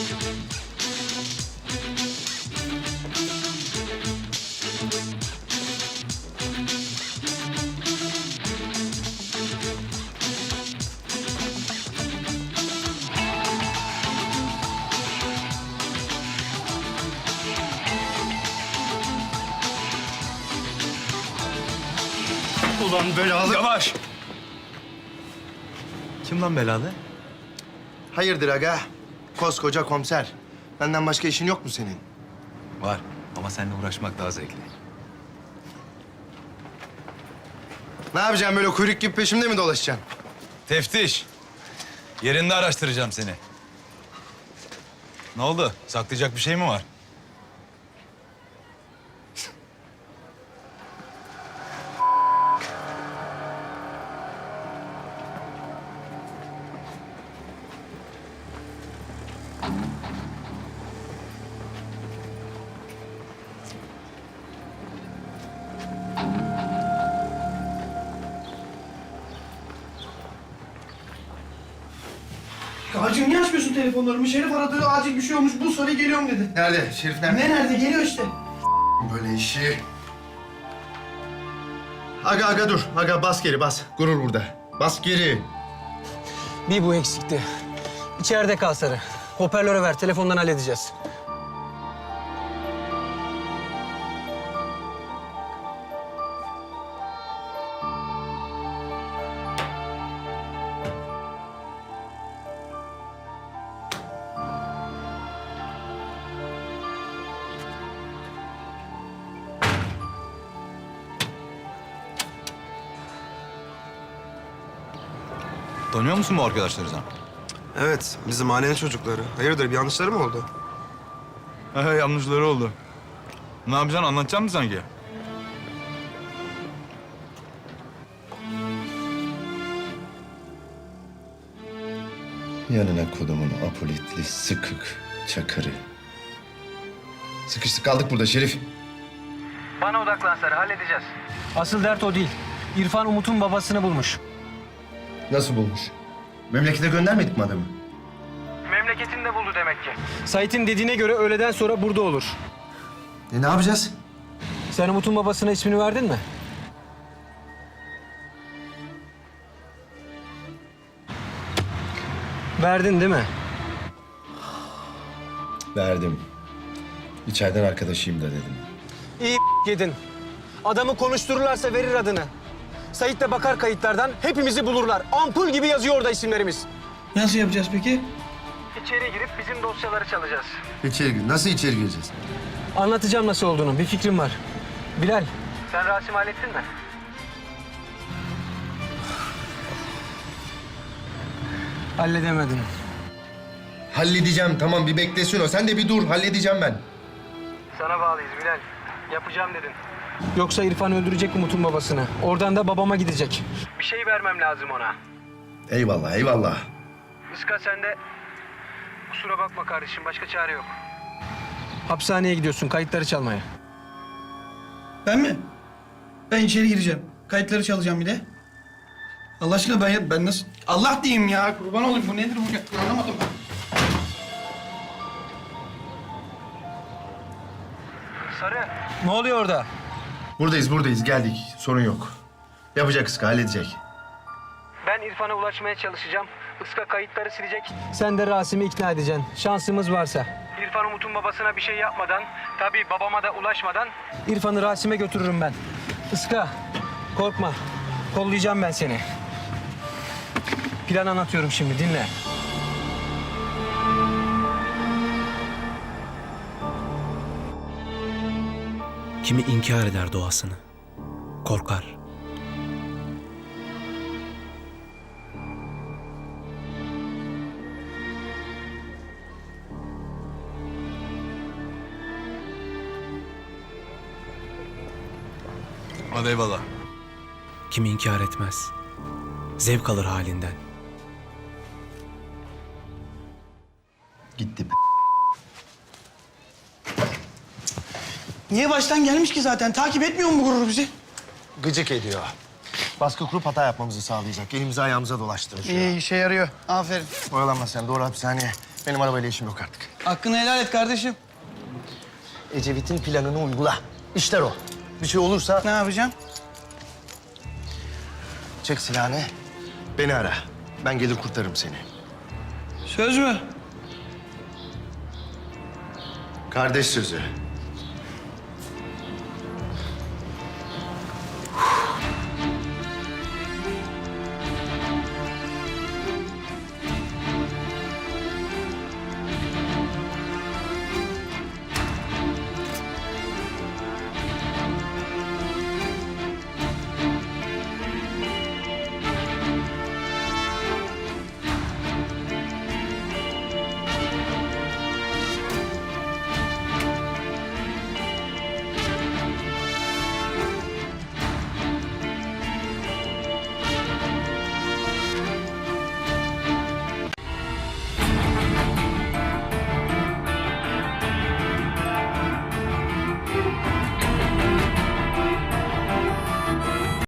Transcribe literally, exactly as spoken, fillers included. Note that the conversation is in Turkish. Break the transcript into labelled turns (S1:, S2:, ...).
S1: Ulan belalı.
S2: Yavaş! Kim lan belalı?
S1: Hayırdır aga? Koskoca komiser. Benden başka işin yok mu senin?
S2: Var ama seninle uğraşmak daha zevkli.
S1: Ne yapacaksın böyle kuyruk gibi peşimde mi dolaşacaksın?
S2: Teftiş. Yerinde araştıracağım seni. Ne oldu? Saklayacak bir şey mi var?
S3: Acil niye açmıyorsun telefonlarımı? Şerif aradı, acil bir şey olmuş, bu soruya geliyorum dedi.
S1: Nerede? Şerif nerede?
S3: Ne nerede? Geliyor işte.
S1: Böyle işi. Aga aga dur. Aga bas geri bas. Gurur burada. Bas geri.
S4: Bir bu eksikti. İçeride kal Sarı. Hoparlöre ver, telefondan halledeceğiz.
S2: Tanıyor musun bu arkadaşları sen?
S5: Evet, bizim mahallenin çocukları. Hayırdır, bir yanlışları mı oldu?
S2: He yanlışları oldu. Ne yapacaksın? Anlatacak mısın sanki?
S1: Yanına kodumun apolitli, sıkık çakırı. Sıkıştık kaldık burada Şerif.
S4: Bana odaklan Sarı, halledeceğiz. Asıl dert o değil. İrfan Umut'un babasını bulmuş.
S1: Nasıl bulmuş? Memlekete göndermedik mi adamı?
S4: Memleketinde buldu demek ki. Sait'in dediğine göre öğleden sonra burada olur.
S1: E ne yapacağız?
S4: Sen Umut'un babasına ismini verdin mi? Verdin değil mi?
S1: Verdim. İçeriden arkadaşıyım da dedim.
S4: İyi yedin. Adamı konuştururlarsa verir adını. Sait de bakar kayıtlardan, hepimizi bulurlar. Ampul gibi yazıyor orada isimlerimiz.
S3: Nasıl yapacağız peki?
S4: İçeri girip bizim dosyaları çalacağız.
S1: İçeri gir. Nasıl içeri gireceğiz?
S4: Anlatacağım nasıl olduğunu, bir fikrim var. Bilal. Sen Rasim hallettin mi? Halledemedin.
S1: Halledeceğim tamam bir beklesin o. Sen de bir dur halledeceğim ben.
S4: Sana bağlıyız Bilal. Yapacağım dedin. Yoksa İrfan öldürecek Umut'un babasını. Oradan da babama gidecek. Bir şey vermem lazım ona.
S1: Eyvallah eyvallah.
S4: Iska sen de... Kusura bakma kardeşim, başka çare yok. Hapishaneye gidiyorsun, kayıtları çalmaya.
S3: Ben mi? Ben içeri gireceğim. Kayıtları çalacağım bir de. Allah aşkına ben, ben nasıl... Allah diyeyim ya, kurban olayım. Bu nedir bu? Anlamadım.
S4: Sarı. Ne oluyor orada?
S1: Buradayız buradayız geldik. Sorun yok. Yapacak kız halledecek.
S4: Ben İrfan'a ulaşmaya çalışacağım. Iska kayıtları silecek. Sen de Rasim'i ikna edeceksin. Şansımız varsa. İrfan Umut'un babasına bir şey yapmadan, tabii babama da ulaşmadan... İrfan'ı Rasim'e götürürüm ben. Iska, korkma. Kollayacağım ben seni. Plan anlatıyorum şimdi, dinle.
S6: Kimi inkar eder doğasını, korkar.
S2: Hadi eyvallah.
S6: Kimi inkar etmez, zevk alır halinden.
S1: Gitti.
S3: Niye baştan gelmiş ki zaten? Takip etmiyor mu bu gurur bizi?
S1: Gıcık ediyor. Baskı kurup hata yapmamızı sağlayacak. Elimizi ayağımıza dolaştırır.
S3: İyi, işe yarıyor. Aferin.
S1: Oyalanma sen doğru hapishaneye. Benim arabayla işim yok artık.
S3: Hakkını helal et kardeşim.
S1: Ecevit'in planını uygula. İşler o. Bir şey olursa
S3: Ne yapacağım?
S1: çek silahını. Beni ara. Ben gelir kurtarırım seni.
S3: Söz mü?
S1: Kardeş sözü.